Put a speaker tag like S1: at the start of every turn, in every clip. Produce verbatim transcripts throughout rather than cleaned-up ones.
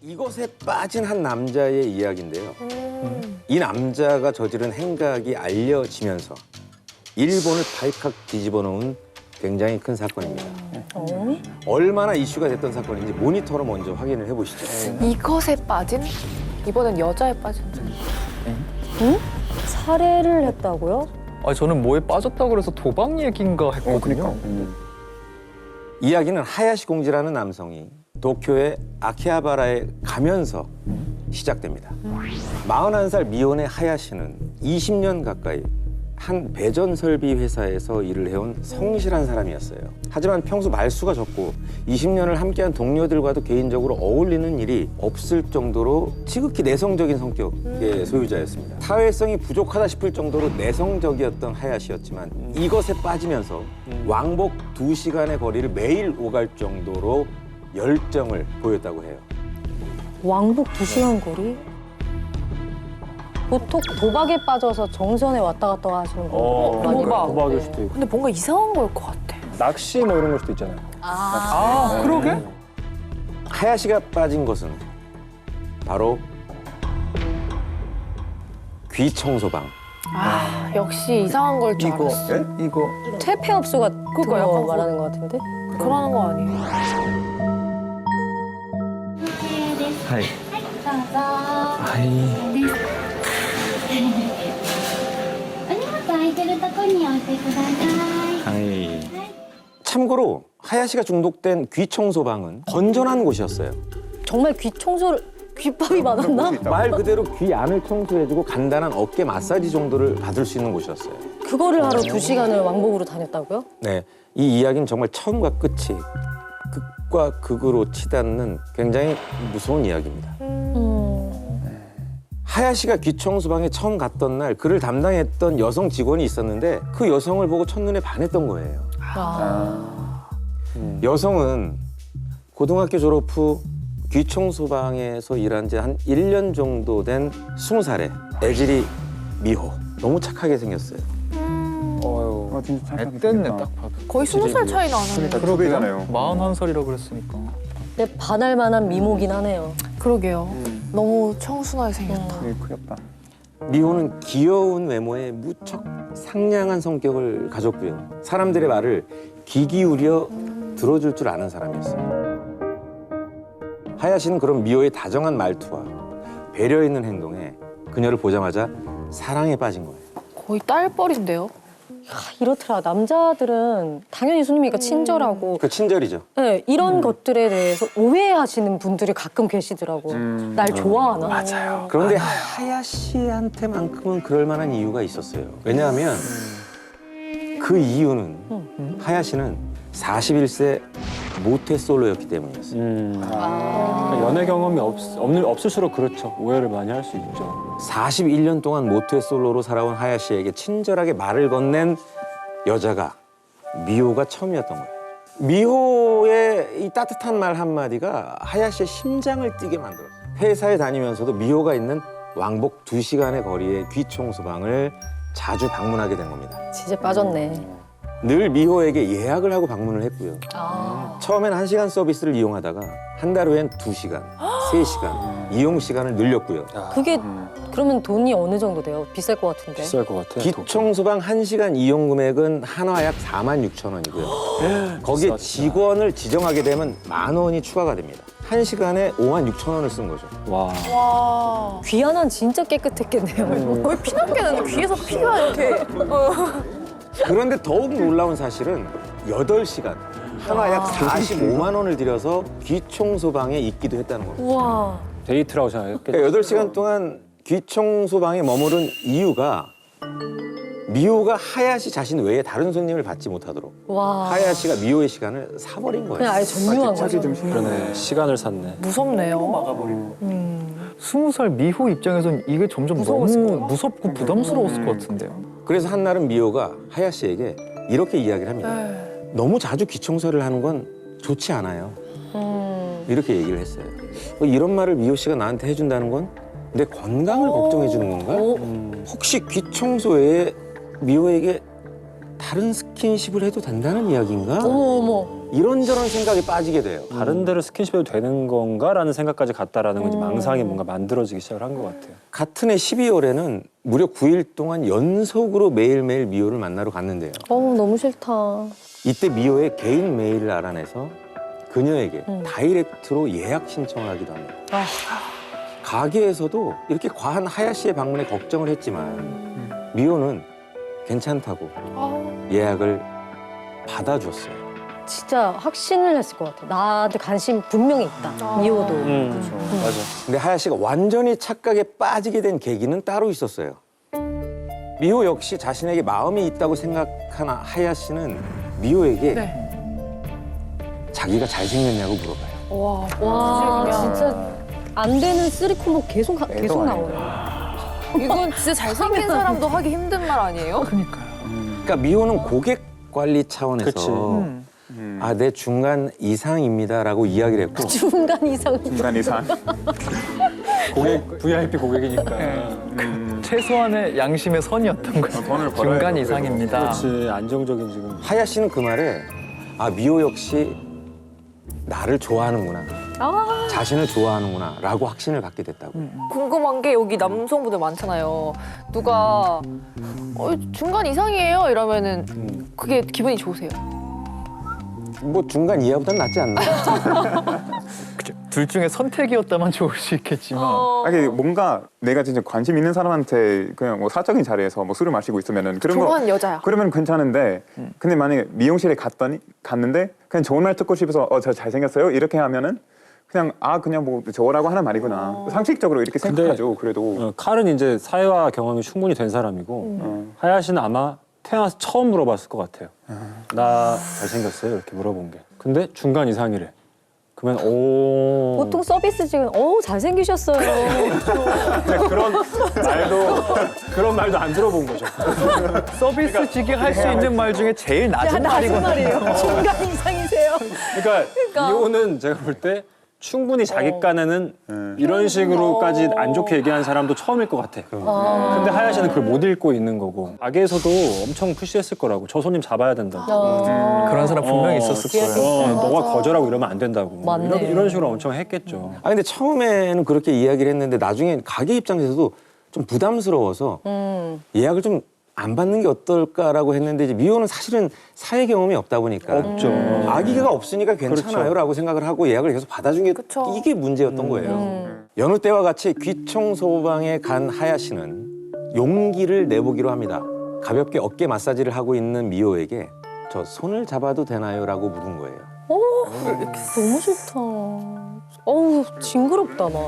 S1: 이것에 빠진 한 남자의 이야기인데요. 음. 이 남자가 저지른 행각이 알려지면서 일본을 발칵 뒤집어 놓은 굉장히 큰 사건입니다. 어? 얼마나 이슈가 됐던 사건인지 모니터로 먼저 확인을 해보시죠.
S2: 이것에 빠진? 이번엔 여자에 빠진.
S3: 응? 살해를 했다고요?
S4: 아니 저는 뭐에 빠졌다고 그래서 도박 얘기인가 했거든요.
S5: 어, 그러니까. 음.
S1: 이야기는 하야시 공지라는 남성이 도쿄의 아키하바라에 가면서 시작됩니다. 마흔한 살 미혼의 하야시는 이십 년 가까이 한 배전 설비 회사에서 일을 해온 성실한 사람이었어요. 하지만 평소 말수가 적고 이십 년을 함께한 동료들과도 개인적으로 어울리는 일이 없을 정도로 지극히 내성적인 성격의 소유자였습니다. 사회성이 부족하다 싶을 정도로 내성적이었던 하야시였지만 이것에 빠지면서 왕복 두 시간의 거리를 매일 오갈 정도로 열정을 보였다고 해요.
S3: 왕복 두 시간 거리? 보통 도박에 빠져서 정선에 왔다 갔다 하시는 거.
S5: 어,
S3: 많이
S5: 도박.
S3: 봤는데.
S5: 도박일 수도 있고.
S2: 근데 뭔가 이상한 걸 것 같아.
S5: 낚시 뭐 이런 걸 수도 있잖아요.
S3: 아,
S4: 아, 그러게?
S1: 하야시가 빠진 것은 바로 귀 청소방.
S2: 아, 역시 이상한 걸 줄
S4: 이거,
S2: 알았어.
S4: 예? 이거.
S3: 퇴폐 업소가
S2: 그거
S3: 그거
S2: 약간
S3: 말하는 것 같은데?
S2: 그러는 거 아니에요?
S4: はい。
S6: どうぞ。
S4: はい。
S6: です。お荷物空いてるとこに置いてください。
S4: はい。
S1: 참고로 하야시가 중독된 귀 청소방은 건전한 곳이었어요.
S3: 정말 귀 청소를 귓밥이 많았나?
S1: 말 그대로 귀 안을 청소해주고 간단한 어깨 마사지 정도를 받을 수 있는 곳이었어요.
S3: 그거를 하러 두 시간을 왕복으로 다녔다고요?
S1: 네, 이 이야기는 정말 처음과 끝이 극과 극으로 치닫는 굉장히 무서운 이야기입니다.
S3: 음.
S1: 하야시가 귀 청소방에 처음 갔던 날 그를 담당했던 여성 직원이 있었는데 그 여성을 보고 첫눈에 반했던 거예요.
S3: 아.
S5: 음.
S1: 여성은 고등학교 졸업 후 귀청소방에서 일한 지 한 일 년 정도 된 스무 살의 애지리 미호. 너무 착하게 생겼어요.
S5: 어휴.
S7: 아, 진짜 착하게
S4: 앳됐네,
S7: 생겼다.
S4: 딱 봐도.
S2: 거의 스무 살 차이 나는.
S7: 그러니까 두 배잖아요.
S4: 마흔한 살이라 그랬으니까.
S3: 근데 반할 만한 미모긴 하네요.
S2: 그러게요.
S7: 음.
S2: 너무 청순하게 생겼다.
S7: 되게 크겠다.
S1: 미호는 귀여운 외모에 무척 상냥한 성격을 가졌고요. 사람들의 말을 귀 기울여 들어줄 줄 아는 사람이었어요. 하야시는 그런 미호의 다정한 말투와 배려 있는 행동에 그녀를 보자마자 사랑에 빠진 거예요.
S2: 거의 딸뻘인데요?
S3: 아, 이렇더라. 남자들은 당연히 손님이니까 친절하고
S1: 그 친절이죠.
S3: 네, 이런 것들에 대해서 오해하시는 분들이 가끔 계시더라고.
S5: 음.
S3: 날 좋아하나?
S5: 맞아요.
S1: 그런데 하야시한테만큼은 그럴 만한 이유가 있었어요. 왜냐하면 그 이유는 하야시는 사십일 세 모태솔로였기 때문이었어요.
S5: 음.
S3: 아.
S5: 그러니까 연애 경험이 없, 없, 없을수록 그렇죠. 오해를 많이 할 수 있죠.
S1: 사십일 년 동안 모태솔로로 살아온 하야시에게 친절하게 말을 건넨 여자가 미호가 처음이었던 거예요. 미호의 이 따뜻한 말 한마디가 하야시의 심장을 뛰게 만들었어요. 회사에 다니면서도 미호가 있는 왕복 두 시간의 거리의 귀청소방을 자주 방문하게 된 겁니다.
S3: 진짜 빠졌네.
S1: 늘 미호에게 예약을 하고 방문을 했고요.
S3: 아.
S1: 처음엔 한 시간 서비스를 이용하다가 한 달 후엔 두 시간, 세 시간 이용 시간을 늘렸고요.
S3: 그게
S5: 음.
S3: 그러면 돈이 어느 정도 돼요? 비쌀 것 같은데.
S5: 비쌀 것 같아.
S1: 기청소방 한 시간 이용 금액은 한화 약 사만 육천 원이고요. 거기에
S5: 비싸다.
S1: 직원을 지정하게 되면 만 원이 추가가 됩니다. 한 시간에 오만 육천 원을 쓴 거죠.
S5: 와.
S2: 와.
S3: 귀 하나는 진짜 깨끗했겠네요.
S2: 거의 피난개는 귀에서 피가 이렇게.
S1: 그런데 더욱 놀라운 사실은 여덟 시간, 한화 약 사십오만 원을 들여서 귀청소방에 있기도 했다는 겁니다.
S3: 우와.
S5: 데이트라고 생각했겠죠.
S1: 그러니까 여덟 시간 동안 귀청소방에 머무른 이유가 미호가 하야시 자신 외에 다른 손님을 받지 못하도록
S3: 와.
S1: 하야시가 미호의 시간을 사버린 거예요.
S3: 그냥 아예 점유한
S7: 차지 좀
S3: 거죠.
S7: 심하네.
S5: 그러네. 시간을 샀네.
S2: 무섭네요. 음.
S4: 스무 살 미호 입장에선 이게 점점
S2: 무서웠을
S4: 너무
S2: 거야?
S4: 무섭고 부담스러웠을 것 같은데요.
S1: 그래서 한날은 미호가 하야시에게 이렇게 이야기를 합니다.
S2: 네.
S1: 너무 자주 귀청소를 하는 건 좋지 않아요.
S3: 음.
S1: 이렇게 얘기를 했어요. 어, 이런 말을 미호 씨가 나한테 해준다는 건 내 건강을 걱정해 주는 건가?
S3: 오.
S5: 음.
S1: 혹시 귀청소 외에 미호에게 다른 스킨십을 해도 된다는 이야기인가?
S3: 어머 어머.
S1: 이런저런 생각에 빠지게 돼요.
S5: 다른 데로 스킨십해도 되는 건가라는 생각까지 갔다라는 건 이제
S3: 음.
S5: 망상이 뭔가 만들어지기 시작을 한 것 같아요.
S1: 같은 해 십이월에는 무려 구 일 동안 연속으로 매일매일 미호를 만나러 갔는데요.
S3: 어우, 너무 싫다.
S1: 이때 미호의 개인 메일을 알아내서 그녀에게
S3: 음.
S1: 다이렉트로 예약 신청을 하기도 합니다.
S3: 아.
S1: 가게에서도 이렇게 과한 하야시의 방문에 걱정을 했지만 미호는 괜찮다고
S2: 아,
S1: 예약을 받아줬어요.
S3: 진짜 확신을 했을 것 같아. 나한테 관심 분명히 있다.
S2: 아.
S3: 미호도.
S5: 음, 맞아.
S1: 근데 하야시가 완전히 착각에 빠지게 된 계기는 따로 있었어요. 미호 역시 자신에게 마음이 있다고 생각한 하야시는 미호에게
S2: 네.
S1: 자기가 잘생겼냐고 물어봐요.
S2: 와,
S3: 와,
S2: 그냥.
S3: 진짜 안 되는 쓰리 콤보 계속, 가- 계속 나오네.
S2: 이건 진짜 잘생긴 사람도 하기 힘든 말 아니에요?
S4: 그러니까요.
S1: 그러니까 미호는 고객 관리 차원에서
S5: 그치.
S4: 음.
S1: 아, 내 중간 이상입니다라고 이야기를 했고
S3: 중간 이상.
S7: 중간 이상.
S5: 고객 브이아이피 고객이니까.
S7: 음,
S4: 최소한의 양심의 선이었던 거예요.
S7: 돈을 벌어야
S4: 중간
S7: 돼요,
S4: 이상입니다.
S5: 그렇지 안정적인 지금.
S1: 하야시는 그 말에 아, 미호 역시 나를 좋아하는구나.
S3: 아,
S1: 자신을 좋아하는구나 라고 확신을 갖게 됐다고.
S2: 궁금한 게 여기 남성분들 많잖아요. 누가 어, 중간 이상이에요 이러면은
S5: 음.
S2: 그게 기분이 좋으세요?
S1: 뭐 중간 이하보단 낫지 않나?
S4: 그쵸. 둘 중에 선택이었다면 좋을 수 있겠지만
S2: 어.
S7: 아니 뭔가 내가 진짜 관심 있는 사람한테 그냥 뭐 사적인 자리에서 뭐 술을 마시고 있으면은 그런 거
S2: 좋아하는 여자야.
S7: 그러면 괜찮은데 근데 만약에 미용실에 갔더니 갔는데 그냥 좋은 말 듣고 싶어서 어 저 잘생겼어요 이렇게 하면은 그냥 아 그냥 뭐 저라고 하는 말이구나 상식적으로 이렇게
S5: 근데-
S7: 생각하죠. 그래도
S5: 어, 칼은 이제 사회화 경험이 충분히 된 사람이고
S7: 어.
S5: 하야시는 아마 태어나서 처음 물어봤을 것 같아요. 나 잘생겼어요? 이렇게 물어본 게. 근데 중간 이상이래. 그러면 오.
S3: 보통 서비스직은 어우, 잘생기셨어요.
S5: 근데 그런 말도 그런 말도 안 들어본 거죠.
S4: 서비스직이 할 수 있는 말 중에 제일 낮은 말이거든요.
S3: 말이에요. 중간 이상이세요.
S5: 그러니까 이호는 제가 볼 때 충분히 자기 깐에는
S7: 음.
S5: 이런 식으로까지 안 좋게 얘기하는 사람도 처음일 것 같아. 근데 하야시는 그걸 못 읽고 있는 거고. 가게에서도 엄청 푸시했을 거라고. 저 손님 잡아야 된다고.
S3: 어.
S4: 그런 사람 분명히 있었을 거예요.
S5: 어, 너가 거절하고 이러면 안 된다고.
S3: 맞네.
S5: 이런, 이런 식으로 엄청 했겠죠.
S1: 아, 근데 처음에는 그렇게 이야기를 했는데 나중에 가게 입장에서도 좀 부담스러워서
S3: 음.
S1: 예약을 좀 안 받는 게 어떨까라고 했는데 이제 미호는 사실은 사회 경험이 없다 보니까
S5: 없죠.
S1: 아기가 없으니까 괜찮아요라고 생각을 하고 예약을 계속 받아준 게
S2: 그쵸.
S1: 이게 문제였던 거예요.
S3: 음.
S1: 여느 때와 같이 귀청소방에 간 하야시는 용기를 내보기로 합니다. 가볍게 어깨 마사지를 하고 있는 미호에게 저 손을 잡아도 되나요?라고 물은 거예요.
S3: 너무 좋다. 어우, 징그럽다, 나.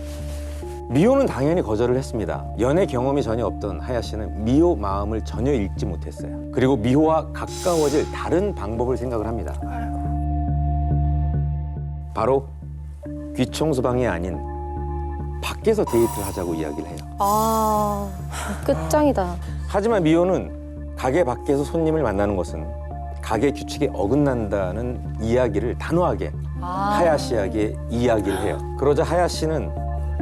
S1: 미호는 당연히 거절을 했습니다. 연애 경험이 전혀 없던 하야시는 미호 마음을 전혀 읽지 못했어요. 그리고 미호와 가까워질 다른 방법을 생각을 합니다. 바로 귀청소방이 아닌 밖에서 데이트를 하자고 이야기를 해요.
S3: 아, 끝장이다.
S1: 하지만 미호는 가게 밖에서 손님을 만나는 것은 가게 규칙에 어긋난다는 이야기를 단호하게
S3: 아.
S1: 하야시에게 이야기를 해요. 그러자 하야시는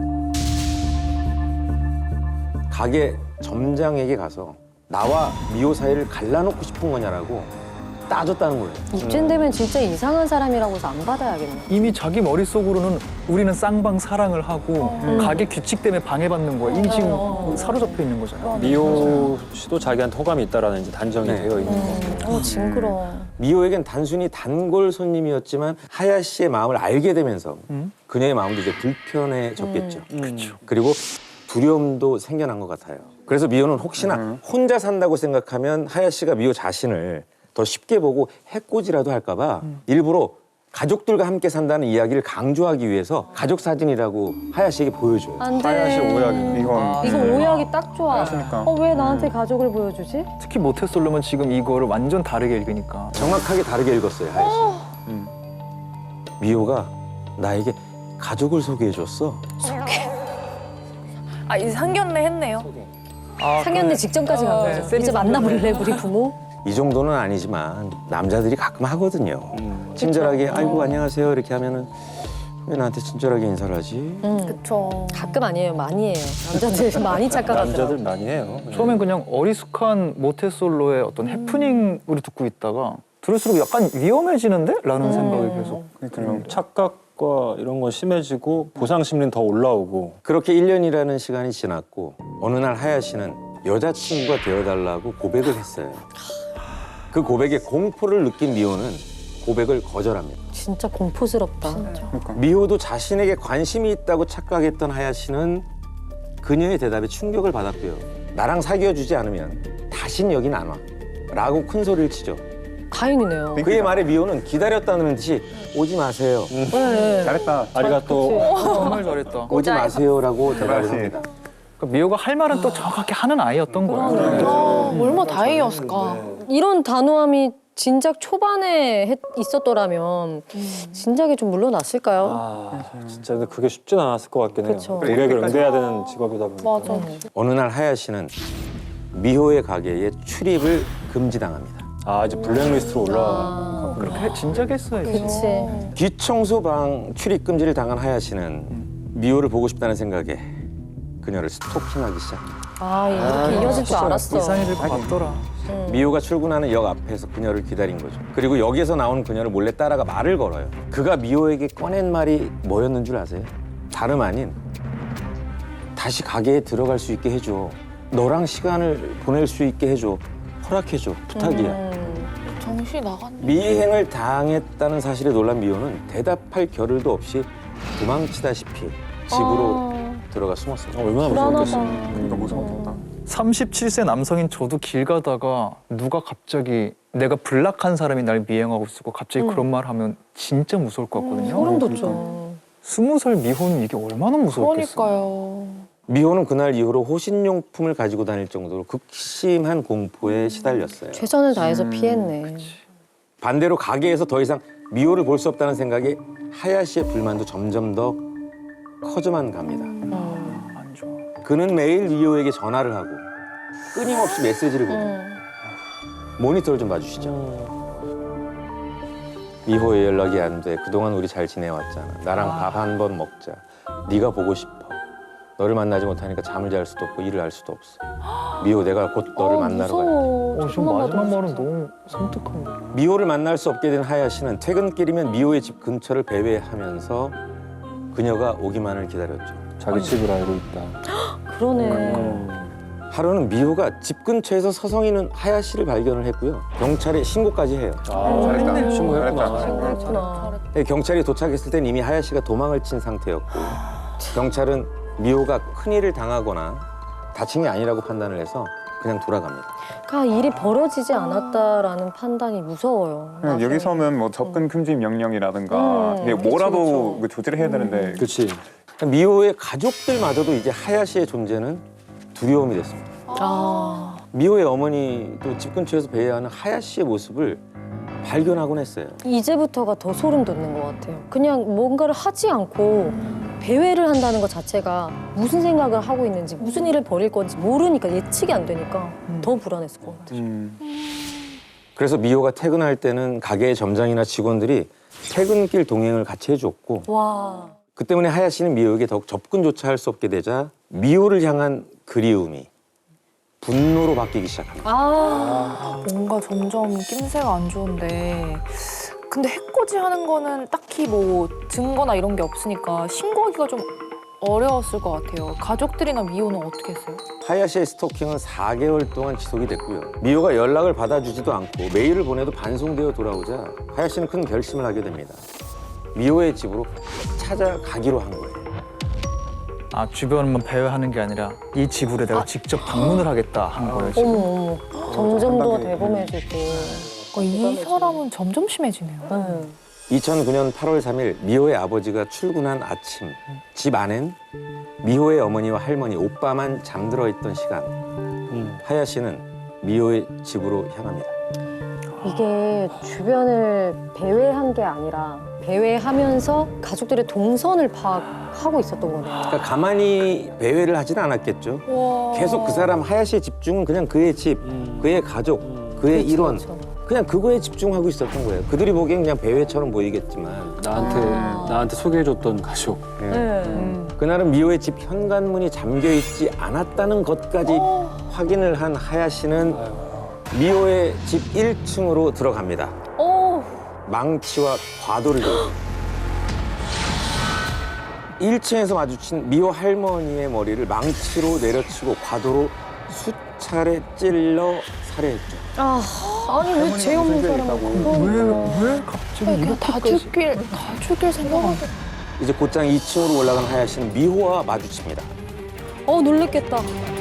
S1: 가게 점장에게 가서 나와 미호 사이를 갈라놓고 싶은 거냐라고 따졌다는 거예요.
S3: 이쯤 되면 진짜 이상한 사람이라고 해서 안 받아야겠네.
S4: 이미 자기 머릿속으로는 우리는 쌍방 사랑을 하고 가게 규칙 때문에 방해받는 거야. 이미 지금
S3: 어.
S4: 사로잡혀 있는 거잖아요.
S5: 미호 씨도 자기한테 호감이 있다라는 이제 단정이
S1: 네.
S5: 되어 있는 거고.
S3: 어, 징그러워.
S1: 미호에겐 단순히 단골 손님이었지만 하야시의 마음을 알게 되면서
S4: 음?
S1: 그녀의 마음도 이제 불편해졌겠죠.
S5: 그렇죠.
S1: 그리고 두려움도 생겨난 것 같아요. 그래서 미호는 혹시나
S7: 음.
S1: 혼자 산다고 생각하면 하야시가 미호 자신을 더 쉽게 보고 해코지라도 할까 봐 일부러 가족들과 함께 산다는 이야기를 강조하기 위해서 가족 사진이라고 하야시에게 보여줘요.
S3: 안 돼.
S5: 하야시 오해하겠네.
S7: 이건
S3: 이거 오해하기 딱 좋아.
S7: 하야시니까.
S3: 어, 왜 나한테 가족을 보여주지?
S4: 특히 모태솔로면 지금 이거를 완전 다르게 읽으니까.
S1: 정확하게 다르게 읽었어요, 하야시.
S7: 음.
S1: 미호가 나에게 가족을 소개해줬어.
S2: 아 이제 상견례 했네요.
S4: 아,
S3: 상견례 직전까지 간
S2: 어,
S3: 거죠.
S4: 세미
S3: 이제 만나볼래, 우리 부모?
S1: 이 정도는 아니지만 남자들이 가끔 하거든요.
S5: 음.
S1: 친절하게 아이고 안녕하세요 이렇게 하면은 왜 나한테 친절하게 인사를 하지?
S3: 응.
S2: 그쵸.
S3: 가끔 아니에요, 많이 해요. 남자들 많이 착각하더라고.
S5: 남자들 많이 해요.
S4: 처음엔 그냥 어리숙한 모태솔로의 어떤 해프닝으로 듣고 있다가 들을수록 약간 위험해지는데? 라는
S2: 음.
S4: 생각이 계속.
S7: 그러니까요.
S5: 착각과 이런 건 심해지고 보상 심리는 더 올라오고.
S1: 그렇게 일 년이라는 시간이 지났고 어느 날 하야시는 여자친구가 되어달라고 고백을 했어요. 그 고백에 공포를 느낀 미호는 고백을 거절합니다.
S3: 진짜 공포스럽다.
S7: 그러니까.
S1: 미호도 자신에게 관심이 있다고 착각했던 하야시는 그녀의 대답에 충격을 받았고요. 나랑 사귀어주지 않으면 다신 여긴 안 와. 라고 큰 소리를 치죠.
S3: 다행이네요.
S1: 그의 말에 미호는 기다렸다는 듯이 오지 마세요.
S3: 네.
S7: 잘했다.
S5: 아리가또.
S4: 정말 잘했다.
S1: 오지 마세요라고 대답을
S7: 그렇지.
S1: 합니다.
S4: 그러니까 미호가 할 말은 또 정확하게 하는 아이였던 거예요.
S2: 아, 얼마나 다행이었을까.
S3: 이런 단호함이 진작 초반에 했- 있었더라면 진작에 좀 물러났을까요?
S5: 아, 진짜 근데 그게 쉽진 않았을 것 같긴 해요.
S3: 그쵸.
S5: 고객을 응대해야 되는 직업이다 보니까.
S2: 맞아.
S1: 어느 날 하야시는 미호의 가게에 출입을 금지당합니다.
S5: 아, 이제 블랙리스트로 올라가.
S4: 그렇게 진작에 했어야지.
S3: 그치.
S1: 귀청소방 출입 금지를 당한 하야시는 미호를 보고 싶다는 생각에 그녀를 스토킹하기 시작합니다.
S3: 아, 이렇게 이어질 줄 알았어.
S4: 이상해질 것 같더라.
S1: 미호가 출근하는 역 앞에서 그녀를 기다린 거죠. 그리고 역에서 나온 그녀를 몰래 따라가 말을 걸어요. 그가 미호에게 꺼낸 말이 뭐였는 줄 아세요? 다름 아닌 다시 가게에 들어갈 수 있게 해줘. 너랑 시간을 보낼 수 있게 해줘. 허락해줘. 부탁이야.
S3: 음.
S2: 정신이 나갔네.
S1: 미행을 당했다는 사실에 놀란 미호는 대답할 겨를도 없이 도망치다시피 집으로 들어가 숨었습니다.
S5: 어, 얼마나
S3: 불안하다.
S5: 무서웠겠어.
S7: 그러니까 무서웠겠다.
S4: 삼십칠 세 남성인 저도 길 가다가 누가 갑자기 내가 블락한 사람이 날 미행하고 있고 갑자기 그런 말 하면 진짜 무서울 것 같거든요.
S3: 소름 돋죠.
S4: 스무 살 미호는 이게 얼마나 무서웠겠어.
S2: 그러니까요.
S1: 미호는 그날 이후로 호신용품을 가지고 다닐 정도로 극심한 공포에 시달렸어요.
S3: 최선을 다해서 피했네.
S1: 반대로 가게에서 더 이상 미호를 볼 수 없다는 생각에 하야시의 불만도 점점 더 커져만 갑니다.
S4: 안 좋아.
S1: 그는 매일 미호에게 전화를 하고 끊임없이 메시지를 보내요. 모니터를 좀 봐주시죠. 미호의 연락이 안 돼. 그동안 우리 잘 지내왔잖아. 나랑 밥 한 번 먹자. 네가 보고 싶어. 너를 만나지 못하니까 잠을 잘 수도 없고 일을 할 수도 없어. 미호, 내가 곧 너를
S3: 어,
S1: 만나러 갈
S3: 무서워.
S4: 어, 지금 마지막 말은 너무 섬뜩한데.
S1: 미호를 만날 수 없게 된 하야시는 퇴근길이면 미호의 집 근처를 배회하면서 그녀가 오기만을 기다렸죠.
S5: 자기 집을 알고 있다.
S3: 그러네.
S1: 하루는 미호가 집 근처에서 서성이는 하야시를 발견을 했고요. 경찰에 신고까지 해요.
S5: 아,
S7: 잘했다.
S5: 신고했구나.
S3: 그렇구나.
S1: 네, 경찰이 도착했을 땐 이미 하야시가 도망을 친 상태였고 경찰은 미호가 큰일을 당하거나 다친 게 아니라고 판단을 해서 그냥 돌아갑니다.
S3: 그러니까 일이 벌어지지 않았다라는 판단이 무서워요.
S7: 그냥 여기서는 뭐 접근 금지 명령이라든가
S3: 음,
S7: 이게
S3: 그쵸,
S7: 뭐라도
S3: 그쵸.
S7: 그 조치를 해야 되는데
S5: 그렇지.
S1: 미호의 가족들마저도 이제 하야시의 존재는 두려움이 됐습니다.
S3: 아,
S1: 미호의 어머니도 집 근처에서 배회하는 하야시의 모습을 발견하곤 했어요.
S3: 이제부터가 더 소름 돋는 것 같아요. 그냥 뭔가를 하지 않고 배회를 한다는 것 자체가 무슨 생각을 하고 있는지 무슨 일을 벌일 건지 모르니까 예측이 안 되니까 더 불안했을 것 같아요.
S7: 음,
S1: 그래서 미호가 퇴근할 때는 가게의 점장이나 직원들이 퇴근길 동행을 같이 해줬고
S3: 와,
S1: 그 때문에 하야시는 미호에게 더욱 접근조차 할 수 없게 되자 미호를 향한 그리움이 분노로 바뀌기 시작합니다.
S3: 아,
S2: 뭔가 점점 낌새가 안 좋은데 근데 해코지 하는 거는 딱히 뭐 증거나 이런 게 없으니까 신고하기가 좀 어려웠을 것 같아요. 가족들이나 미호는 어떻게 했어요?
S1: 하야시의 스토킹은 사 개월 동안 지속이 됐고요. 미호가 연락을 받아주지도 않고 메일을 보내도 반송되어 돌아오자 하야시는 큰 결심을 하게 됩니다. 미호의 집으로 찾아가기로 한 거예요.
S4: 아, 주변만 배회하는 게 아니라 이 집으로 내가 직접 방문을 하겠다 한 거예요, 지금.
S3: 어머 어머, 점점 더 대범해지고.
S2: 그러니까 이 사람은 점점 심해지네요.
S3: 네.
S1: 이천구 년 팔월 삼일 미호의 아버지가 출근한 아침 집 안엔 미호의 어머니와 할머니, 오빠만 잠들어 있던 시간 하야시는 미호의 집으로 향합니다.
S3: 이게 주변을 배회한 게 아니라 배회하면서 가족들의 동선을 파악하고 있었던 거네요.
S1: 그러니까 가만히 배회를 하지는 않았겠죠.
S2: 와.
S1: 계속 그 사람 하야시의 집중은 그냥 그의 집, 그의 가족, 그의
S3: 그렇죠,
S1: 일원
S3: 그렇죠.
S1: 그냥 그거에 집중하고 있었던 거예요. 그들이 보기엔 그냥 배회처럼 보이겠지만
S5: 나한테 나한테 소개해줬던 가족.
S1: 예.
S3: 네.
S1: 그날은 미호의 집 현관문이 잠겨 있지 않았다는 것까지 확인을 한 하야시는 미호의 집 일 층으로 들어갑니다. 망치와 과도를 들었습니다. 일 층에서 마주친 미호 할머니의 머리를 망치로 내려치고 과도로 수차례 찔러 살해했죠.
S3: 아, 아니 왜 죄 없는 사람을 그거
S4: 왜 갑자기
S2: 그냥
S4: 이렇게
S2: 다 죽길 다 죽길 생각하고.
S1: 이제 곧장 이 층으로 올라간 하야시는 미호와 마주칩니다.
S3: 어 놀랬겠다.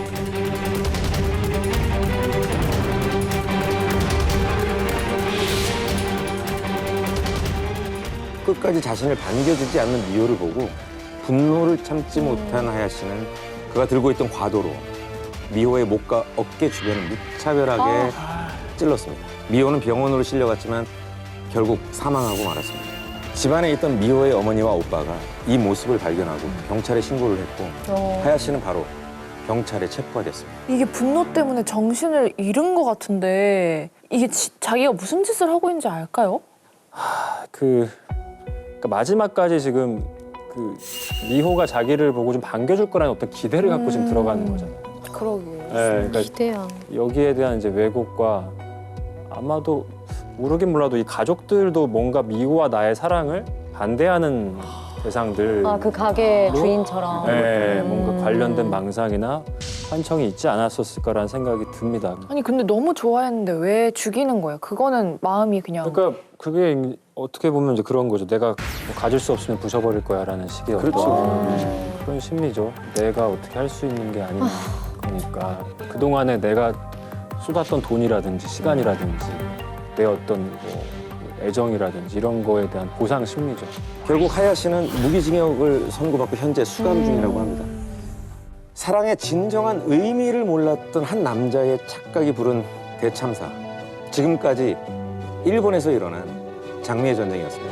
S1: 끝까지 자신을 반겨주지 않는 미호를 보고 분노를 참지 못한 하야시는 그가 들고 있던 과도로 미호의 목과 어깨 주변을 무차별하게 찔렀습니다. 미호는 병원으로 실려갔지만 결국 사망하고 말았습니다. 집안에 있던 미호의 어머니와 오빠가 이 모습을 발견하고 경찰에 신고를 했고
S3: 어.
S1: 하야시는 바로 경찰에 체포가 됐습니다.
S2: 이게 분노 때문에 정신을 잃은 것 같은데 이게 지- 자기가 무슨 짓을 하고 있는지 알까요?
S5: 그 그러니까 마지막까지 지금 그 미호가 자기를 보고 좀 반겨줄 거라는 어떤 기대를 갖고 지금 들어가는 거잖아요.
S2: 그러게요.
S5: 네, 그러니까
S3: 기대야.
S5: 여기에 대한 이제 왜곡과 아마도 모르긴 몰라도 이 가족들도 뭔가 미호와 나의 사랑을 반대하는 대상들,
S3: 아 그 가게 주인처럼.
S5: 네,
S3: 음.
S5: 뭔가 관련된 망상이나 환청이 있지 않았었을까라는 생각이 듭니다.
S2: 아니 근데 너무 좋아했는데 왜 죽이는 거예요? 그거는 마음이 그냥
S5: 그러니까 그게 어떻게 보면 이제 그런 거죠. 내가 뭐 가질 수 없으면 부숴버릴 거야라는 식의
S1: 그렇죠.
S5: 어떤 그런 심리죠. 내가 어떻게 할 수 있는 게 아닌 거니까 그동안에 내가 쏟았던 돈이라든지 시간이라든지 내 어떤 뭐 애정이라든지 이런 거에 대한 보상 심리죠.
S1: 결국 하야시는 무기징역을 선고받고 현재 수감 중이라고 합니다. 사랑의 진정한 의미를 몰랐던 한 남자의 착각이 부른 대참사. 지금까지 일본에서 일어난 장미의 전쟁이었습니다.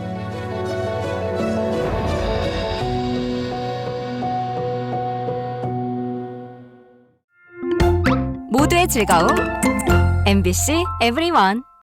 S8: 모두의 즐거움 엠비씨 에브리원.